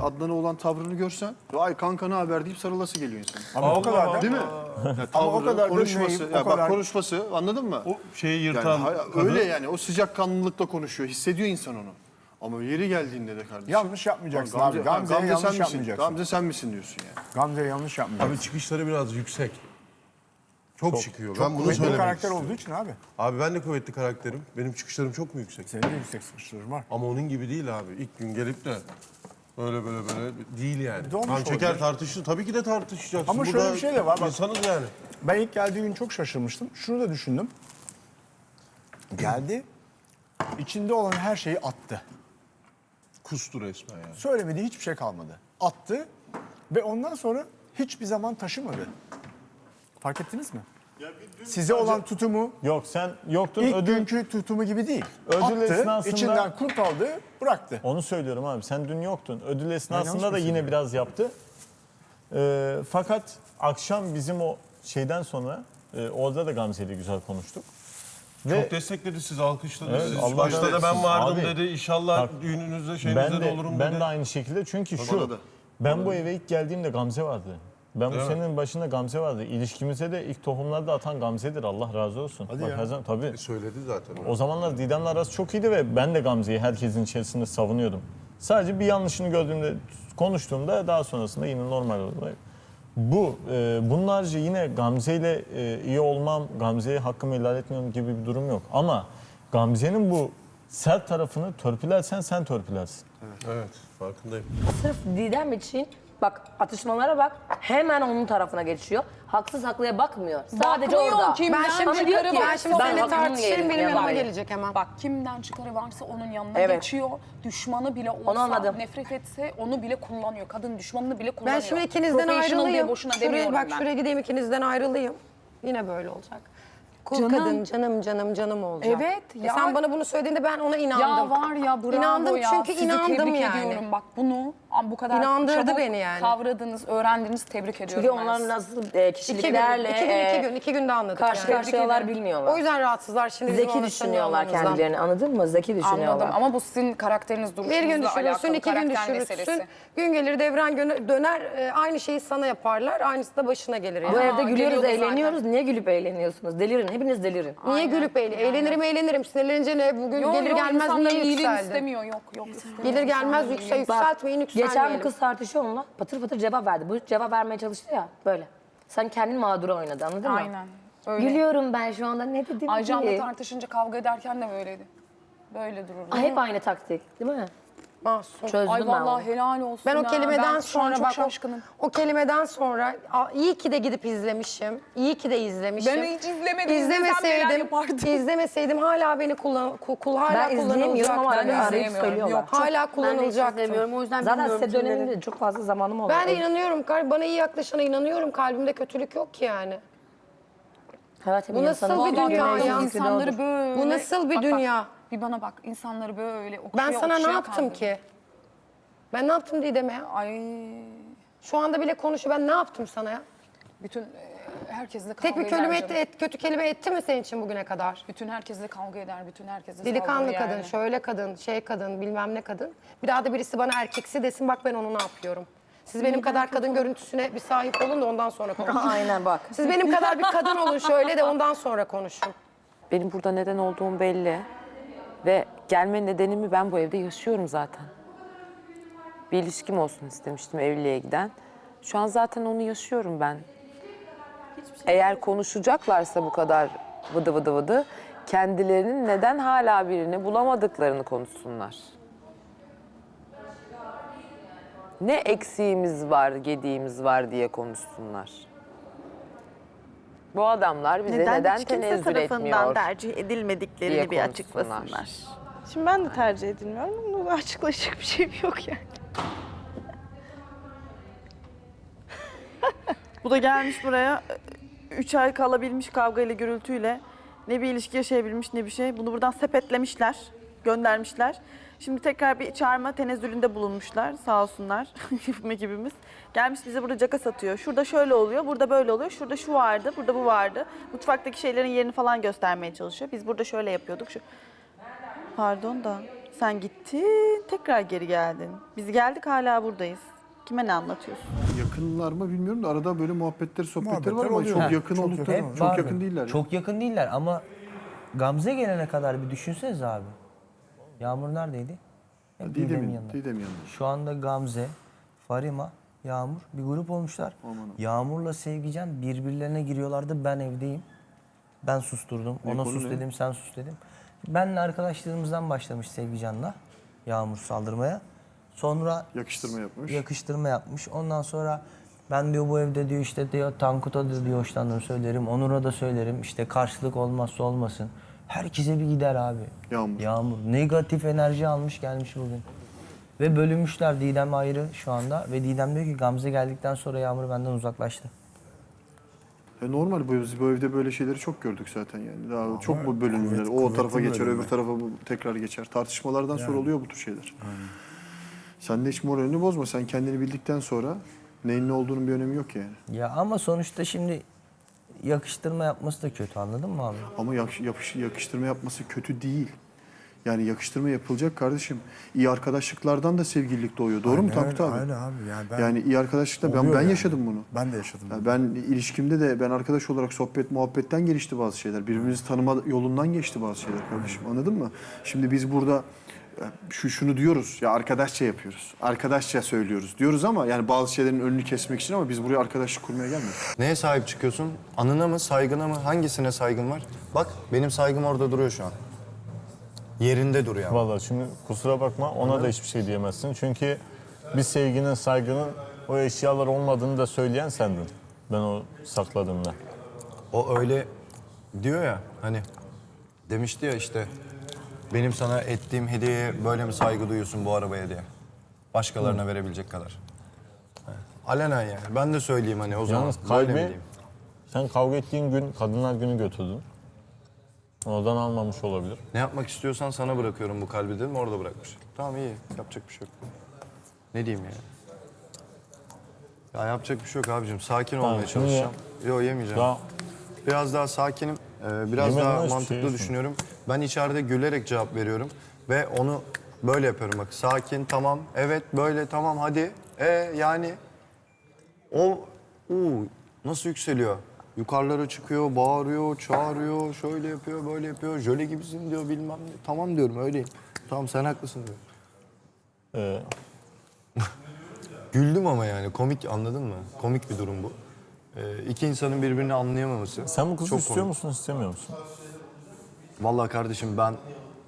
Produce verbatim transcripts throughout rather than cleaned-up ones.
Adnan'a olan tavrını görsen, vay kanka ne haber deyip sarılası geliyor insan. Ama o kadar da. Değil mi? Ya, Ama o tavrı, kadar da konuşması, neyim, ya o bak kadar- konuşması, anladın mı? O şeyi Yani yırtan hay- kadın. öyle yani o sıcakkanlılıkla konuşuyor, hissediyor insan onu. Ama yeri geldiğinde de kardeşim. Yanlış yapmayacaksın Gamze, abi. Gamze'ye Gamze yanlış sen misin? yapmayacaksın. Gamze sen misin diyorsun yani. Gamze'ye yanlış yapmayacaksın. Abi çıkışları biraz yüksek. Çok, çıkıyor. Çok ben bunu kuvvetli bir söylemek karakter istiyorum. olduğu için abi. Abi ben de kuvvetli karakterim. Benim çıkışlarım çok mu yüksek? Senin de yüksek sıkıştırır var. Ama onun gibi değil abi. İlk gün gelip de böyle böyle böyle değil yani. Dolmuş Kan çeker olabilir. tartışır. Tabii ki de tartışacaksın. Ama şöyle bir şey de var, bak. İnsanız yani. Ben ilk geldiği gün çok şaşırmıştım. Şunu da düşündüm. Geldi, içinde olan her şeyi attı. Kustu resmen yani. Söylemediği hiçbir şey kalmadı. Attı ve ondan sonra hiçbir zaman taşımadı. Fark ettiniz mi? Size olan tutumu Yok sen yoktun ilk ödül. günkü tutumu gibi değil. Ödül Attı, esnasında- içinden kurt aldı, bıraktı. Onu söylüyorum abi sen dün yoktun. Ödül esnasında yanlış da mı yine söylüyorum? biraz yaptı. Ee, fakat akşam bizim o şeyden sonra e, orada da Gamze ile güzel konuştuk. Ve Çok destekledi sizi, alkışladı Evet, sizi. Allah Başta da razı ben olsun. vardım Abi, dedi. İnşallah bak, düğününüzde, şeyinizde ben de de, olurum ben dedi. de aynı şekilde çünkü Bana şu da. ben bu eve ilk geldiğimde Gamze vardı. Ben bu Değil mi? senenin başında Gamze vardı. İlişkimize de ilk tohumları da atan Gamze'dir. Allah razı olsun. Hadi Bak, ya. her zaman, tabii. E, söyledi zaten. O zamanlar Didem'le arası çok iyiydi ve ben de Gamze'yi herkesin içerisinde savunuyordum. Sadece bir yanlışını gördüğümde, konuştuğumda daha sonrasında yine normal oldu. Bu, e, bunlarca yine Gamze ile e, iyi olmam, Gamze'ye hakkımı ihlal etmiyorum gibi bir durum yok. Ama Gamze'nin bu sert tarafını törpülersen sen törpülersin. Evet, farkındayım. Sırf Didem için bak atışmalara bak hemen onun tarafına geçiyor. Haksız haklıya bakmıyor. Sadece Bakmıyor, orada. kimden Ben şimdi çıkarı diyor ki ben varsa şimdi onun seninle hakkını tartışırım yerim. benim yanıma Yani. gelecek hemen. Bak kimden çıkarı varsa onun yanına Evet. geçiyor. Düşmanı bile olsa, Onu anladım. nefret etse onu bile kullanıyor. Kadın düşmanını bile kullanıyor. Ben şimdi ikinizden Professional diye ayrılayım. boşuna Şuraya, demiyorum bak ben. şuraya gideyim ikinizden ayrılayım. Yine böyle olacak. Kul Canım. kadın canım canım canım olacak. Evet, E ya- sen bana bunu söylediğinde ben ona inandım. Ya var ya bravo İnandım ya. çünkü Sizi inandım tebrik yani. ediyorum. Bak bunu bu kadar İnandırdı çabuk beni yani. kavradınız, öğrendiniz. Tebrik ediyorum Çünkü ben onlar sizi. nasıl e, İki gün, kişiliklerle iki gün, e, iki gün, iki günde anladık karşı yani. karşıyalar bilmiyorlar. O yüzden rahatsızlar şimdi bizim Zeki onu düşünüyorlar tanıyor olmamızdan. kendilerini, anladın mı? Zeki düşünüyorlar. Anladım ama bu sizin karakteriniz, Bir duruşunuzla gün düşürürsün, alakalı. iki gün karakter düşürürsün. meselesi. Gün gelir devran gö- döner, e, aynı şeyi sana yaparlar. Aynısı da başına gelir yani. Bu evde gülüyoruz, geliyordu eğleniyoruz. Niye gülüp eğleniyorsunuz? Delirin, hepiniz delirin. Niye gülüp eğlen? Eğlenirim, eğlenirim. Sinirlenince ne? Bugün Yok, gelir yok, gelmez insanların niye iyiliğini yükseldin? istemiyor. Yok yok istemiyor. Gelir gelmez İnsanların yüksel, iyiliğini. yükseltmeyin, yükselmeyelim. Geçen bu kız tartışıyor onunla. Patır patır cevap verdi. Bu cevap vermeye çalıştı ya böyle. Sen kendin mağdura oynadı, anladın mı? Aynen. Öyle. Gülüyorum ben şu anda, ne dedim Aycan'la ki? tartışınca kavga ederken de böyleydi. Böyle dururdu. Ay, hep aynı taktik değil mi? Masum. Çözdüm Ay ben vallahi onu. helal olsun Ben o ya. kelimeden Ben şu an sonra çok bak o, şaşkınım. o kelimeden sonra a, iyi ki de gidip izlemişim. İyi ki de izlemişim. Ben hiç izlemedim. İzlesem neler İzlemeseydim, yapardım. izlemeseydim hala beni kullan, kul, kul hala Ben izleyemiyorum ama kullanılacaktı. arada arayıp izleyemiyorum. söylüyorlar. Yok, Hala Ben de hiç kullanılacaktım. izlemiyorum. O yüzden Zaten bilmiyorum size kimleri. döneminde çok fazla zamanım oldu. Ben de inanıyorum. kal- Bana iyi yaklaşana inanıyorum. Kalbimde kötülük yok ki yani. Hayatım Bu nasıl insanın bir çok dünya yönetici ya? zikri İnsanları doğrudur. böyle... Bu nasıl bir Bak, dünya? Bak, bir bana bak. İnsanları böyle okşaya Ben sana ne okşaya yaptım kaldırdı. ki? Ben ne yaptım Didem'e ya? Ay Şu anda bile konuşuyor. Ben ne yaptım sana ya? bütün e, herkesle kavga Tek bir eder kelime canım. etti, et, kötü kelime etti mi senin için bugüne kadar? Bütün herkesle kavga eder, bütün herkesle Delikanlı saldırır kadın, yani. şöyle kadın, şey kadın, bilmem ne kadın. Bir daha da birisi bana erkeksi desin, bak ben onu ne yapıyorum. Siz benim kadar kadın görüntüsüne bir sahip olun da ondan sonra konuşun. Aynen bak. Siz benim kadar bir kadın olun şöyle de ondan sonra konuşun. Benim burada neden olduğum belli. Ve gelme nedenimi ben bu evde yaşıyorum zaten. Bir ilişkim olsun istemiştim evliliğe giden. Şu an zaten onu yaşıyorum ben. Eğer konuşacaklarsa bu kadar vıdı vıdı vıdı, kendilerinin neden hala birini bulamadıklarını konuşsunlar. Ne eksiğimiz var, gediğimiz var diye konuşsunlar. Bu adamlar bize neden, Neden, hiç kimse tenezzül tarafından etmiyor tercih edilmediklerini diye bir konuşsunlar. açıklasınlar. Şimdi ben de tercih edilmiyorum. Bunu açıklayacak bir şeyim yok yani. Bu da gelmiş buraya üç ay kalabilmiş kavgayla gürültüyle. Ne bir ilişki yaşayabilmiş ne bir şey. Bunu buradan sepetlemişler, göndermişler. Şimdi tekrar bir çağırma tenezzülünde bulunmuşlar sağ olsunlar yapım ekibimiz. Gelmiş bize burada caka satıyor. Şurada şöyle oluyor, burada böyle oluyor. Şurada şu vardı, burada bu vardı. Mutfaktaki şeylerin yerini falan göstermeye çalışıyor. Biz burada şöyle yapıyorduk. Şu... Pardon da Sen gittin, tekrar geri geldin. Biz geldik hala buradayız. Kime ne anlatıyorsun? Yakınlar mı bilmiyorum da arada böyle muhabbetleri, sohbetleri Muhabbetler var ama oluyor. çok Ha, yakın çok oldukları, yakın. çok, Hep var. yakın değiller. Çok yakın değiller ama Gamze gelene kadar bir düşünseniz abi. Yağmur neredeydi? Hep Didem'in Didem'in, yanında. Didem'in yanında. Şu anda Gamze, Farima, Yağmur bir grup olmuşlar. Yağmur'la Sevgican birbirlerine giriyorlardı. Ben evdeyim. Ben susturdum. Ne Ona konu sus ne? dedim, sen sus dedim. Benle arkadaşlığımızdan başlamış Sevgican'la Yağmur saldırmaya. Sonra Yakıştırma yapmış. yakıştırma yapmış. Ondan sonra ben diyor bu evde diyor işte diyor Tankut'a da diyor hoşlandığımı söylerim. Onur'a da söylerim. İşte karşılık olmazsa olmasın. Herkese bir gider abi. Yağmur. Yağmur. Negatif enerji almış gelmiş bugün. Ve bölünmüşler, Didem ayrı şu anda. Ve Didem diyor ki Gamze geldikten sonra Yağmur benden uzaklaştı. E normal, bu, biz bu evde böyle şeyleri çok gördük zaten yani. Daha çok bu bölünmeler. kuvvet- O tarafa kuvvetli geçer, bölünme. öbür tarafa bu tekrar geçer. Tartışmalardan sonra oluyor bu tür şeyler. Sen de hiç moralini bozma. Sen kendini bildikten sonra neyin ne olduğunun bir önemi yok yani. Ya ama sonuçta şimdi yakıştırma yapması da kötü, anladın mı abi? Ama yakış- yapış- yakıştırma yapması kötü değil. Yani yakıştırma yapılacak kardeşim. İyi arkadaşlıklardan da sevgililik doğuyor. Doğru mu Aynen Tankut öyle, abi? Öyle abi. Yani, ben, Yani iyi arkadaşlıkla ben, Oluyor ben yani. yaşadım bunu. Ben de yaşadım. Ya ben ilişkimde de ben arkadaş olarak sohbet muhabbetten gelişti bazı şeyler. Birbirimizi tanıma yolundan geçti bazı şeyler kardeşim. Anladın mı? Şimdi biz burada ya şu şunu diyoruz. Ya arkadaşça yapıyoruz. Arkadaşça söylüyoruz diyoruz ama yani bazı şeylerin önünü kesmek için, ama biz buraya arkadaşlık kurmaya gelmiyoruz. Neye sahip çıkıyorsun? Anına mı, saygına mı? Hangisine saygın var? Bak benim saygım orada duruyor şu an. Yerinde duruyor. ama. Vallahi şimdi kusura bakma ona da hiçbir şey diyemezsin. Çünkü bir sevginin, saygının o eşyalar olmadığını da söyleyen sendin. Ben o sakladığımda. O öyle diyor ya hani demişti ya işte benim sana ettiğim hediyeye böyle mi saygı duyuyorsun bu arabaya diye. Başkalarına verebilecek kadar. Yani, alenen yani. Ben de söyleyeyim hani o zaman. Yalnız Böyle mi kalbi diyeyim? sen kavga ettiğin gün Kadınlar Günü götürdün. Oradan almamış olabilir. Ne yapmak istiyorsan sana bırakıyorum bu kalbi dedim, orada bırakmış. Tamam iyi, yapacak bir şey yok. Ne diyeyim yani? Ya yapacak bir şey yok abicim, sakin Tamam, olmaya şunu çalışacağım. Yok yemeyeceğim. Daha Biraz daha sakinim, ee, biraz Yemeden daha hiçbir şey mantıklı yiyorsun. düşünüyorum. Ben içeride gülerek cevap veriyorum ve onu böyle yapıyorum bak. Sakin, tamam, evet, böyle, tamam, hadi. E yani o uu, nasıl yükseliyor? Yukarılara çıkıyor, bağırıyor, çağırıyor, şöyle yapıyor, böyle yapıyor. Jöle gibisin diyor, bilmem ne. Tamam diyorum, öyleyim. Tamam sen haklısın diyor. e, Güldüm ama yani komik, anladın mı? Komik bir durum bu. Ee, iki insanın birbirini anlayamaması. sen bu kızı çok istiyor komik. musun, istemiyor musun? Vallahi kardeşim ben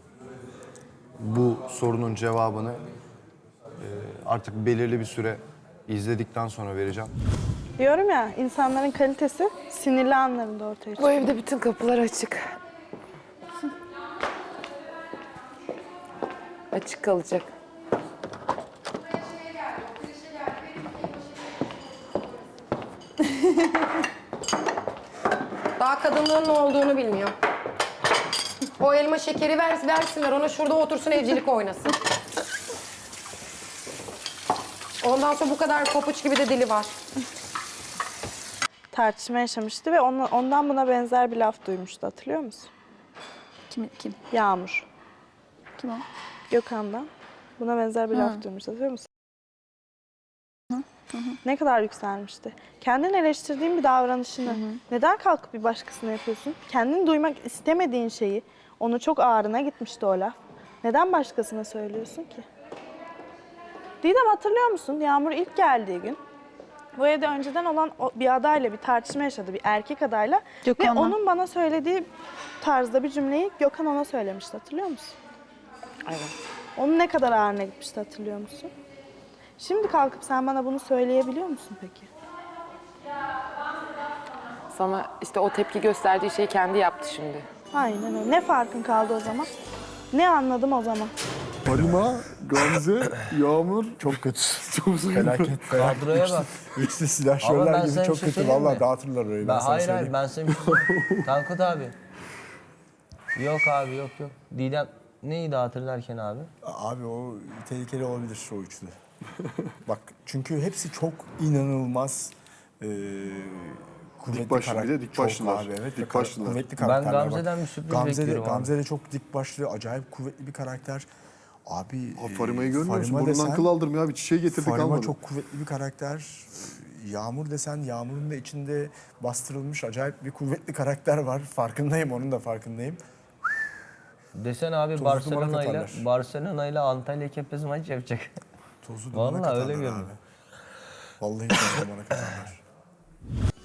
bu sorunun cevabını e, artık belirli bir süre izledikten sonra vereceğim. Diyorum ya, insanların kalitesi sinirli anlarında ortaya çıkıyor. Bu evde bütün kapılar açık. Açık kalacak. Daha kadınlığın ne olduğunu bilmiyor. O elma şekeri vers, versinler ona, şurada otursun evcilik oynasın. Ondan sonra bu kadar papuç gibi de dili var. Tartışma yaşamıştı ve ondan, ondan buna benzer bir laf duymuştu, hatırlıyor musun? Kim? Kim? Yağmur. Kim o? Gökhan'dan buna benzer bir laf duymuştu, hatırlıyor musun? Ne kadar yükselmişti. Kendini eleştirdiğin bir davranışını neden kalkıp bir başkasına yapıyorsun? Kendini duymak istemediğin şeyi, onu çok ağrına gitmişti o laf. Neden başkasına söylüyorsun ki? Didem, hatırlıyor musun? Yağmur ilk geldiği gün bu evde önceden olan o- bir adayla bir tartışma yaşadı, bir erkek adayla. Gökhan'la. Ve onun bana söylediği tarzda bir cümleyi Gökhan ona söylemişti, hatırlıyor musun? Evet. Onun ne kadar ağrına gitmişti, hatırlıyor musun? Şimdi kalkıp sen bana bunu söyleyebiliyor musun peki? Sana işte o tepki gösterdiği şeyi kendi yaptı şimdi. Aynen öyle. Ne farkın kaldı o zaman? Ne anladım o zaman? Farima, Gamze, Yağmur. Çok kötü. Çok sıkıntı. Felaket felaket. Kadroya bak. İkisi Ama ben silahşörler gibi sana çok bir şey kötü. söyleyeyim Vallahi mi? dağıtırlar orayı. Ben, Ben, sana hayır hayır söyleyeyim. ben sana bir şey söyleyeyim. Tankut abi. Yok abi yok yok. Didem neyi dağıtır derken abi? Abi o tehlikeli olabilir o üçlü. Bak çünkü hepsi çok inanılmaz e, kuvvetli Dik başlı, bir de karakter- dik çok başlılar. abi, evet. Dik Ve başlılar. Kuvvetli Ben karakterler. Gamze'den Bak, bir sürpriz Gamze de, bekliyorum abi. Gamze de çok dik başlı, acayip kuvvetli bir karakter. Abi Ha, Farima'yı görmüyor musun? Farima Burnundan desen- kıl aldırmıyor abi. Çiçeği getirdik Farima almadı. çok kuvvetli bir karakter. Yağmur desen Yağmur'un da içinde bastırılmış acayip bir kuvvetli karakter var. Farkındayım, onun da farkındayım. Desen abi Tozu Barcelona dumana ile katarlar. Barcelona ile Antalya Kepez maç yapacak. Tozu dumana Vallahi öyle katarlar görünüyor. abi. Vallahi tozu dumana katarlar.